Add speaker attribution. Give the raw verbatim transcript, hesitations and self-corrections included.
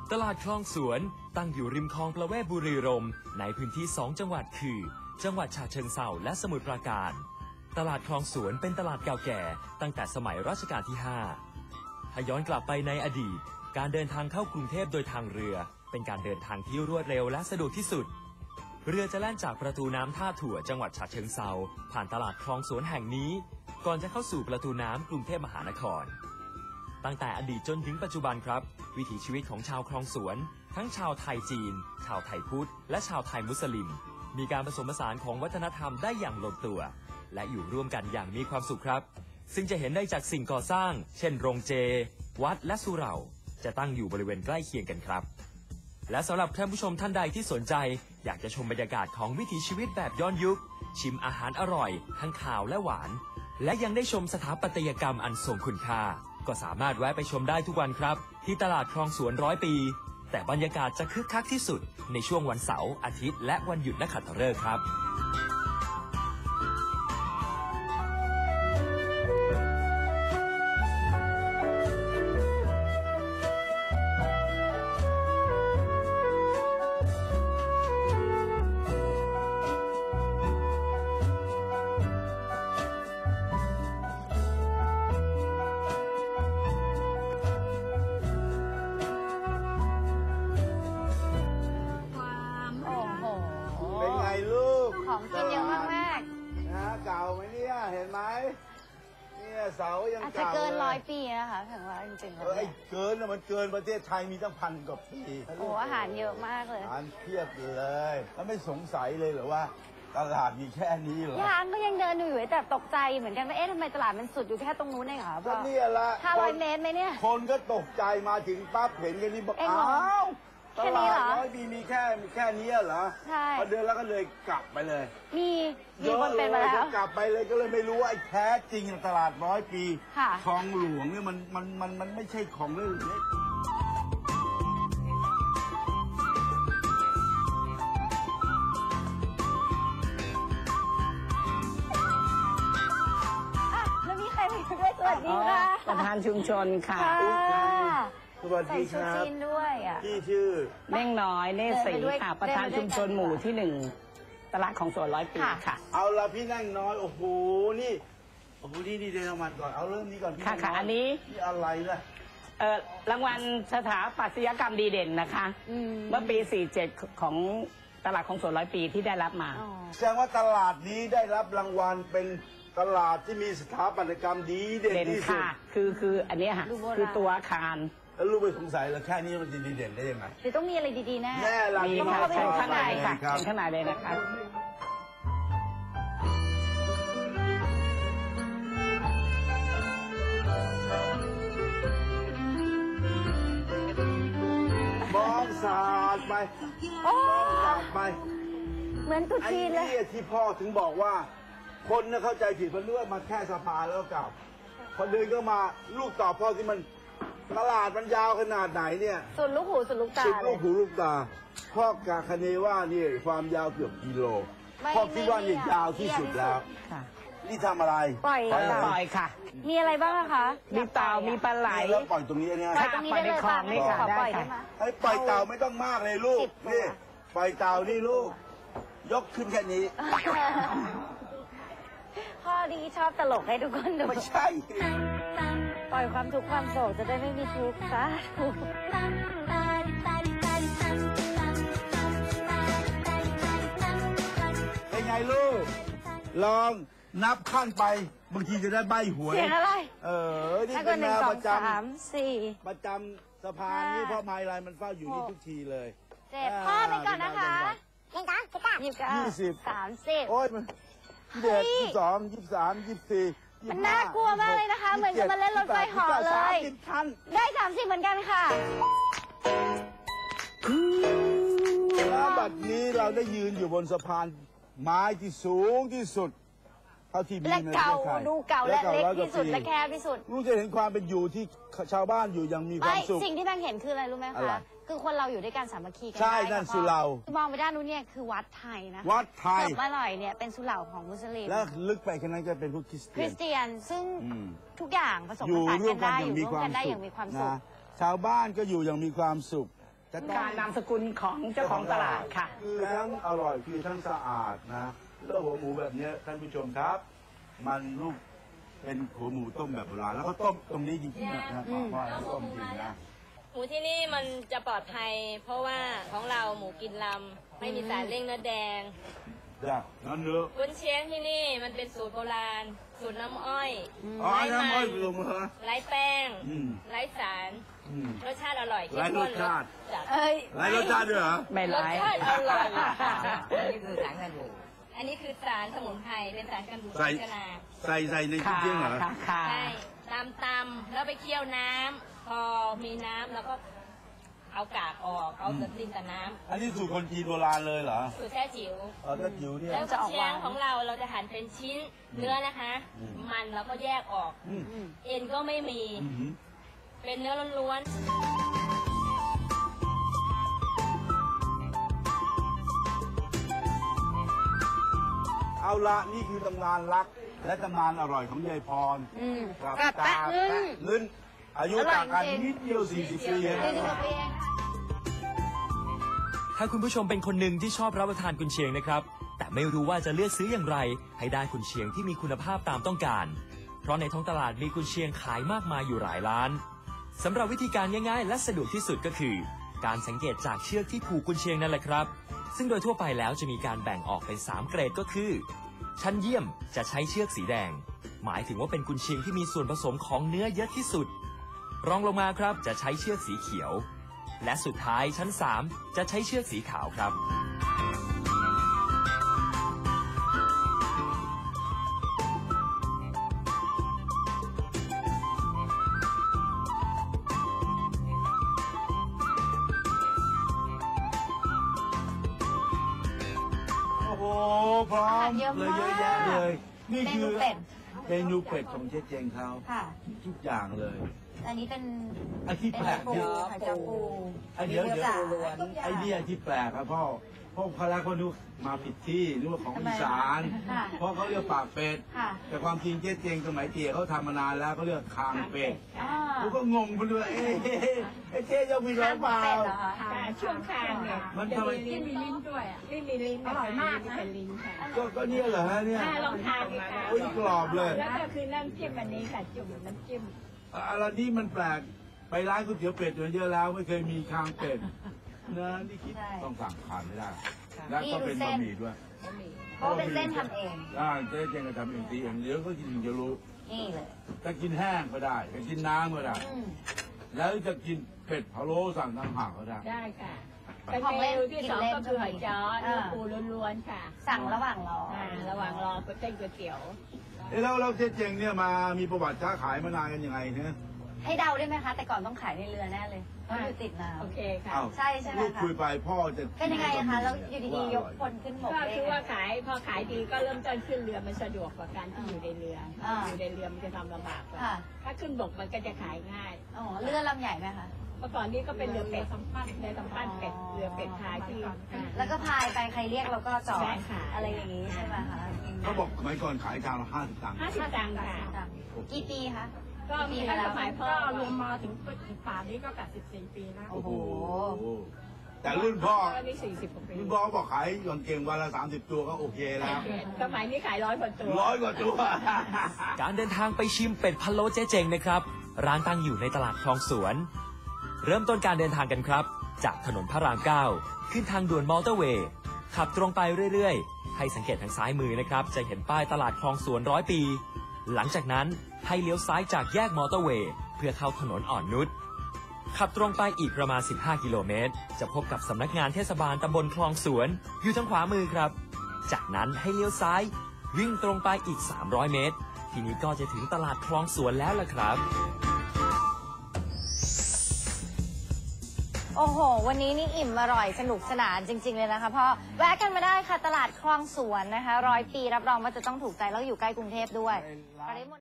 Speaker 1: ตลาดคลองสวนตั้งอยู่ริมคลองประเวศบุรีรัมย์ในพื้นที่สองจังหวัดคือจังหวัดฉะเชิงเทราและสมุทรปราการตลาดคลองสวนเป็นตลาดเก่าแก่ตั้งแต่สมัยรัชกาลที่ห้าถ้าย้อนกลับไปในอดีตการเดินทางเข้ากรุงเทพโดยทางเรือเป็นการเดินทางที่รวดเร็วและสะดวกที่สุดเรือจะแล่นจากประตูน้ำท่าถั่วจังหวัดฉะเชิงเทราผ่านตลาดคลองสวนแห่งนี้ก่อนจะเข้าสู่ประตูน้ำกรุงเทพมหานครตั้งแต่อดีตจนถึงปัจจุบันครับวิถีชีวิตของชาวคลองสวนทั้งชาวไทยจีนชาวไทยพุทธและชาวไทยมุสลิมมีการผสมผสานของวัฒนธรรมได้อย่างลงตัวและอยู่ร่วมกันอย่างมีความสุขครับซึ่งจะเห็นได้จากสิ่งก่อสร้างเช่นโรงเจวัดและสุเหร่าจะตั้งอยู่บริเวณใกล้เคียงกันครับและสำหรับท่านผู้ชมท่านใดที่สนใจอยากจะชมบรรยากาศของวิถีชีวิตแบบย้อนยุคชิมอาหารอร่อยทั้งขาวและหวานและยังได้ชมสถาปัตยกรรมอันทรงคุณค่าก็สามารถแวะไปชมได้ทุกวันครับที่ตลาดคลองสวนร้อยปีแต่บรรยากาศจะคึกคักที่สุดในช่วงวันเสาร์อาทิตย์และวันหยุดนักขัตฤกษ์ครับ
Speaker 2: ของกินเยอะมากมาก
Speaker 3: นะเก่าไหมเนี่ยเห็นไหมเนี่ยเสายังเก่าอาจจะ
Speaker 2: เกินร้อยปีนะคะถึงว่าจริงๆแล้ว
Speaker 3: ไอ้เกินนะมันเกินประเทศไทยมีตั้งพันกว่าปี
Speaker 2: โอ้อาหารเยอะมากเลย
Speaker 3: อาหารเพียบเลยแล้วไม่สงสัยเลยเหรอว่าตลาดมีแค่นี้เหรอย
Speaker 2: างก็ยังเดินอยู่แต่ตกใจเหมือนกันว่าเอ๊ะทำไมตลาดมันสุดอยู่แค่ตรงนู้นเองเหรอ
Speaker 3: ก็นี่แหละ
Speaker 2: ห้าร้อยเมตรไหมเนี่ย
Speaker 3: คนก็ตกใจมาถึงปั๊บเห็นกันนี่บอกอ้าวตลาดร้อยปีมีแค่มีแค่นี้เหรอ
Speaker 2: ใช่
Speaker 3: พอเดินแล้วก็เลยกลับไปเลย
Speaker 2: มีมีคนเป็นมาแล้ว
Speaker 3: กลับไปเลยก็เลยไม่รู้ว่าไอ้แท้จริงตลาดร้อยปีคลองหลวงเนี่ยมันมันมันมันไม่ใช่ของเล่นเล็ก
Speaker 2: แล้วมีใครมาด้วยสวัสดีค่ะ
Speaker 4: ประธานชุมชนค่ะ
Speaker 3: สวัสดีครับ
Speaker 2: ด้วยอ่ะ
Speaker 3: พี่ชื่อ
Speaker 4: เม่งน้อยเนศรีค่ะประธานชุมชนหมู่ที่หนึ่งตลาดของสวนร้อยปีค่ะ
Speaker 3: เอาละพี่นั่งน้อยโอ้โหนี่โอ้โหนี่ดีเดนมาก่อนเอาเริ่มนี้ก่อนพี่
Speaker 4: ค่ะค่ะอันนี้
Speaker 3: นี่อะไรล่ะ
Speaker 4: เอ่อรางวัลสถาปัตยกรรมดีเด่นนะคะเมื่อปีสี่สิบเจ็ดของตลาดของสวนร้อยปีที่ได้รับมา
Speaker 3: แสดงว่าตลาดนี้ได้รับรางวัลเป็นตลาดที่มีสถาปัตยกรรมดีเด่นที่สุด
Speaker 4: คือคืออันนี้ค่ะคือตัวอาคาร
Speaker 3: แล้วรู้ไปสงสัยแล้วแค่นี้มันจะดีเด่นได้ยังไง
Speaker 2: หรือต้องมีอะไรดีๆแน่
Speaker 3: แน่ละ
Speaker 4: มีค่ะเชิญข้างในค่ะเชิญข้างในเลยนะคะ
Speaker 3: มองสาดไปมองสาดไป
Speaker 2: เหมือนตุ๊จีนเลย
Speaker 3: ไอ้นี่ที่พ่อถึงบอกว่าคนน่ะเข้าใจผิดเพราะนึกว่ามาแค่สะพานแล้วกลับพอเดินก็มาลูกตอบพ่อที่มันตลาดมันยาวขนาดไหนเนี่ย
Speaker 2: สุดลูกหูสุดลูกตา
Speaker 3: สุดลูกหูลูกตาพ่อกะคเนว่านี่ความยาวเกือบกิโลพ่อคิดว่านี่ยาวที่สุดแล้วนี่ทำอะไร
Speaker 2: ปล่อย
Speaker 4: ปล่อยค่ะ
Speaker 2: มีอะไรบ้างคะ
Speaker 4: มีเต่ามีปลาไหล
Speaker 3: แล้วปล่อยตรงนี้เนี่ย
Speaker 2: ปล่อยตรงนี้ได้เลยค่ะไม่ขอปล่อยได้ไหม
Speaker 3: ให้ปล่อยเต่าไม่ต้องมากเลยลูกนี่ปล่อยเต่านี่ลูกยกขึ้นแค่นี้
Speaker 2: พ่อดีชอบตลกให้ทุกคนดู
Speaker 3: ไม่ใช่
Speaker 2: ปล่อยความทุกข์ความโศกจะได้ไม่มีทุกข์ซะ
Speaker 3: เป็นไงลูกลองนับขั้นไปบางทีจะได้ใบหวย
Speaker 2: เสียงอะไร
Speaker 3: เออนี่เป็นแนวประจำประจำสะพานนี่พ่อไม้ลายมันเฝ้าอยู่นี่ทุกทีเลย
Speaker 2: เจ็ดพ่อไปก่อนนะคะยังจ้าสิบเก้ายี่สิบเก้ายี่สิบสามสิบ
Speaker 3: โอ้ยมันยี่สิบเอ็ดยี่สิบสองยี่สิบสามยี่สิบสี่
Speaker 2: มันน่ากลัวมากเลยนะคะเหมือนจะมาเล่นรถไฟเหาะเลยได้สามสิบเหมือนกันค่ะ
Speaker 3: แล้วบัดนี้เราได้ยืนอยู่บนสะพานไม้ที่สูงที่สุดเท่าที่มีในประเทศไทย
Speaker 2: ดูเก่าและเล็กที่สุดและแคบที่สุด
Speaker 3: รู้จะเห็นความเป็นอยู่ที่ชาวบ้านอยู่อย่างมีความสุข
Speaker 2: สิ่งที่แม่เห็นคืออะไรรู้ไหมคะคือคนเราอยู่ด้วยกันสามัคคีกัน
Speaker 3: ใช่นั่นสุเหร่าม
Speaker 2: องไปด้านนู้นเนี่ยคือวัดไทยนะ
Speaker 3: วัดไทย
Speaker 2: เมื่อไหร่เนี่ยเป็นสุเหร่าของมุสลิม
Speaker 3: แล้วลึกไปแค่นั้นจะเป็นพวกคริสเตียน
Speaker 2: คริสเตียนซึ่งทุกอย่างผสมผสานกันได้อยู่ร่วมกันได้อย่างมีความสุข
Speaker 3: ชาวบ้านก็อยู่อย่างมีความสุขจะต้อง
Speaker 4: การนามสกุลของเจ้าของตลาดค่ะ
Speaker 3: คือทั้งอร่อยคือทั้งสะอาดนะแล้วหัวหมูแบบเนี้ยท่านผู้ชมครับ มันลูกเป็นหัวหมูต้มแบบโบราณแล้วก็ต้มตรงนี้จริงๆนะครับว่าต้มจริงนะ
Speaker 5: หมูที่นี่มันจะปลอดภัย เพราะว่าของเราหมูกินลำไม่มีสารเร่งเนื้อแดง
Speaker 3: จ้ะนั่นเนื้อ
Speaker 5: กุนเชียงที่นี่มันเป็นสูตรโบราณ สูตรน้ำอ้อย
Speaker 3: อ๋อ
Speaker 5: ไร้
Speaker 3: น้ำอ้อย
Speaker 5: มัน
Speaker 3: ลงมา
Speaker 5: ไร้แป้ง
Speaker 3: อืม
Speaker 5: ไร้สาร
Speaker 3: อืม
Speaker 5: รสชาติอร่อยเข้ม
Speaker 3: ไร้ร
Speaker 5: ข้
Speaker 3: ส
Speaker 5: น
Speaker 3: ชาติ
Speaker 5: จัด
Speaker 2: เอ้ย
Speaker 3: ไรรสชาติด้วยเหรอ
Speaker 4: ไม่
Speaker 5: รส
Speaker 4: ร้าย
Speaker 5: ชาติอร่อย
Speaker 6: นี่คือสารกันบูด
Speaker 5: อันนี้คือสารสมุนไพรเป็นสารกันบูด
Speaker 3: ใส่
Speaker 5: ชนา
Speaker 3: ใส่ใส่ในจ
Speaker 4: ค่ะ
Speaker 3: ริงๆเหรอ
Speaker 4: ค่ะค่ะ
Speaker 5: ใช่ตำตำๆแล้วไปเคี่ยวน้ำพอมีน้ำแล้วก็เอากากออกเอาแต่ดินแต่น้
Speaker 3: อันนี้สูตรคนจีนโบราณเลยเหรอ
Speaker 5: ำสูตรแท้จิ๋ว
Speaker 3: เออถ้าจิ๋วเนี่ย
Speaker 5: แล้วกุนเชียงของเราเราจะหั่นเป็นชิ้นเนื้อนะคะ
Speaker 3: อืม
Speaker 5: มันเราก็แยกออก
Speaker 3: อืม
Speaker 5: เอ็นก็ไม่มี
Speaker 3: อืม
Speaker 5: เป็นเนื้อล้วน
Speaker 3: เอาละนี่คือตำนานรัก และตำนานอร่อยของยายพร
Speaker 2: อืม
Speaker 3: กับ
Speaker 2: กับ
Speaker 3: ตา
Speaker 2: แปะลึง
Speaker 3: ลึนอายุต่างกันนิดเดียวสี่สิบปีเอง
Speaker 2: สี่สิบกว่าปีเอง
Speaker 1: ถ้าคุณผู้ชมเป็นคนหนึ่งที่ชอบรับประทานกุนเชียงนะครับ แต่ไม่รู้ว่าจะเลือกซื้ออย่างไร ให้ได้กุนเชียงที่มีคุณภาพตามต้องการ เพราะในท้องตลาดมีกุนเชียงขายมากมายอยู่หลายร้านสำหรับวิธีการง่ายๆ และสะดวกที่สุดก็คือ การสังเกตจากเชือกที่ผูกกุนเชียงนั่นแหละครับ ซึ่งโดยทั่วไปแล้วจะมีการแบ่งออกเป็นสามเกรดก็คือ ชั้นเยี่ยมจะใช้เชือกสีแดง หมายถึงว่าเป็นกุนเชียงที่มีส่วนผสมของเนื้อเยอะที่สุด รองลงมาครับจะใช้เชือกสีเขียว และสุดท้ายชั้นสามจะใช้เชือกสีขาวครับ
Speaker 3: โอ้โหพร้อม
Speaker 2: เยอะ
Speaker 3: เล
Speaker 2: มาก
Speaker 3: ยเยอะแยะเลย นี่คือ
Speaker 2: เมนูเป็ด
Speaker 3: เมนูเป็ดของเจ๊เจงเขา
Speaker 2: ค่ะ
Speaker 3: ทุกอย่างเลย
Speaker 2: อันนี้เป็น
Speaker 3: ไอ้ที่
Speaker 2: เป็น
Speaker 3: แปลก
Speaker 2: ปู
Speaker 3: เนี่ย
Speaker 2: ไข่เจียวปู
Speaker 3: ไอ้เดี๋ยวเดี๋ยว
Speaker 2: จ๋า
Speaker 3: ไอ้เนี่ยที่แปลกครับพ่อพ่อพระคนดูมาผิดที่นึกว่าของ
Speaker 2: ทำไม
Speaker 3: อีสาน
Speaker 2: ค่ะ
Speaker 3: เพราะเขาเรียกปากเป็ด
Speaker 2: ค่ะ
Speaker 3: แต่ความจริงเจ๊เจงสมัยเตี๋ยเขาทำมานานแล้วเขาเรียกคางเป็ด
Speaker 2: อ่า
Speaker 3: ผมก็งงไปด้วยเอ๊ะไอ้เจ๊ยังมีร้อยเปล่า
Speaker 2: เป็ดเหรอคะ
Speaker 4: ค่ะช่วงคางเนี่ย
Speaker 3: มัน
Speaker 4: จะ
Speaker 3: ทำไม
Speaker 4: มีลิ้นมีลิ้นด้วยอ่ะลิ้นมีลิ้นอร่อยมากนะเป็นลิ้นค่ะ
Speaker 3: ก็ก็เนี่ยเหรอฮะเนี่ย
Speaker 4: อ่าลองทานดูค่ะ
Speaker 3: โอ้ยกรอบเลย
Speaker 4: แล้วก็คือน้ำจิ้มอันนี้ค่ะจุ่มน้ำจิ้ม
Speaker 3: อะไรนี่มันแปลกไปร้านก๋วยเตี๋ยวเป็ดมาเยอะแล้วไม่เคยมีคางเป็ดนะนี่คิด
Speaker 2: ใช่
Speaker 3: ต้องสั่งทานไม่ได้ แล้วก็เป็นบะหมี่ด้วย
Speaker 2: เพราะว่าเป็นเส้นทำเอง
Speaker 3: อ่าเจ๊เจงก็ทำเองตีเองเดี๋ยวก็กินถึงจะรู้
Speaker 2: นี่เลย
Speaker 3: จะกินแห้งก็ได้จะกินน้ำก็ได้
Speaker 2: อืม
Speaker 3: แล้วจะกินเป็ดพะโล้สั่งทางห่างก็ได้
Speaker 4: ได้ค่ะ
Speaker 3: ไป
Speaker 4: เป็นเมนูที่สองก็คือหอยจ้อเนื้อปูล้วนๆค่ะ
Speaker 2: สั่งระหว่างรอ
Speaker 4: อ่าระหว่างรอก๋วยเตี๋ยวก๋วยเตี๋ยว
Speaker 3: เอ๊ะแล้วแล้วเจ๊เจงเนี่ยมามีประวัติค้าขายมานานกันยังไงเนี่ย
Speaker 2: ให้เดาได้ไหมคะ แต่ก่อนต้องขายในเรือแน่เลยเพราะอยู่ติดน้
Speaker 4: โอเคค่ะ
Speaker 3: อ้าว
Speaker 2: ใช่ใช่ไหมคะ
Speaker 3: ลูกคุยไปพ่อจะ
Speaker 2: ำเป็นยังไงอะคะ แล้วอยู่ดีๆ ยกคนขึ้นบก
Speaker 4: ก็
Speaker 2: ได้
Speaker 4: คือ
Speaker 2: ไง
Speaker 4: ว่าขายพอขายดีก็เริ่มต้นขึ้นเรือมันสะดวกกว่าการที่อยู่ในเรือ
Speaker 2: อ่า
Speaker 4: อยู่ในเรือมันจะทำลำบากกว่า
Speaker 2: ค่ะ
Speaker 4: ถ้าขึ้นบกมันก็จะขายง่าย
Speaker 2: อ๋อเรือลำใหญ่ไหมคะ
Speaker 4: เมื่อก่อนนี้ก็เป็นเรือเป็ดสัมปั้นเรือสัมปั้นเป็ดเรือเป็ดขายที่อ่า
Speaker 2: แล้วก็พายไปใครเรียกเราก็จอด
Speaker 4: ใช่ค่ะ
Speaker 2: อะไรอย่างนี้ใช่ไหมคะ
Speaker 3: เขาบอกสมัยก่อนขายจานละห้าสิบตังค์
Speaker 4: ห้าสิบตังค์ค่ะ
Speaker 2: กี่ปีคะ
Speaker 4: ก็มี
Speaker 2: มาแล้
Speaker 4: ส
Speaker 2: ว
Speaker 4: มัยพ่อรวมมาถึงป่านนี้ก็แปดสิบสี่ปีแล้ว
Speaker 3: โอ้โหแต่รุ่นพ่อ
Speaker 4: ก็มีสี่สิบกว่าปี
Speaker 3: รุ่นพ่อบอกขายก่อนเก่งวันละสามสิบตัวก็โอเคแล้ว
Speaker 4: สมัยนี้ขายร้อยกว่าตัว
Speaker 3: ร้อยกว่าตัว
Speaker 1: การเดินทางไปชิมเป็ดพะโล้เจ๊เจงนะครับ ร้านตั้งอยู่ในตลาดคลองสวน เริ่มต้นการเดินทางกันครับ จากถนนพระรามเก้าขึ้นทางด่วนมอเตอร์เวย์ขับตรงไปเรื่อยๆ ให้สังเกตทางซ้ายมือนะครับ จะเห็นป้ายตลาดคลองสวนร้อยปี หลังจากนั้นให้เลี้ยวซ้ายจากแยกมอเตอร์เวย์เพื่อเข้าถนนอ่อนนุชขับตรงไปอีกประมาณ สิบห้า กิโลเมตร จะพบกับสำนักงานเทศบาลตำบลคลองสวน อยู่ทางขวามือครับ จากนั้นให้เลี้ยวซ้าย วิ่งตรงไปอีก สามร้อย เมตร ทีนี้ก็จะถึงตลาดคลองสวนแล้วล่ะครับ
Speaker 2: โอ้โห วันนี้นี่อิ่มอร่อยสนุกสนานจริง ๆ เลยนะคะพ่อแวะกันมาได้ค่ะ ตลาดคลองสวนนะคะร้อยปีรับรองว่าจะต้องถูกใจแล้วอยู่ใกล้กรุงเทพด้วย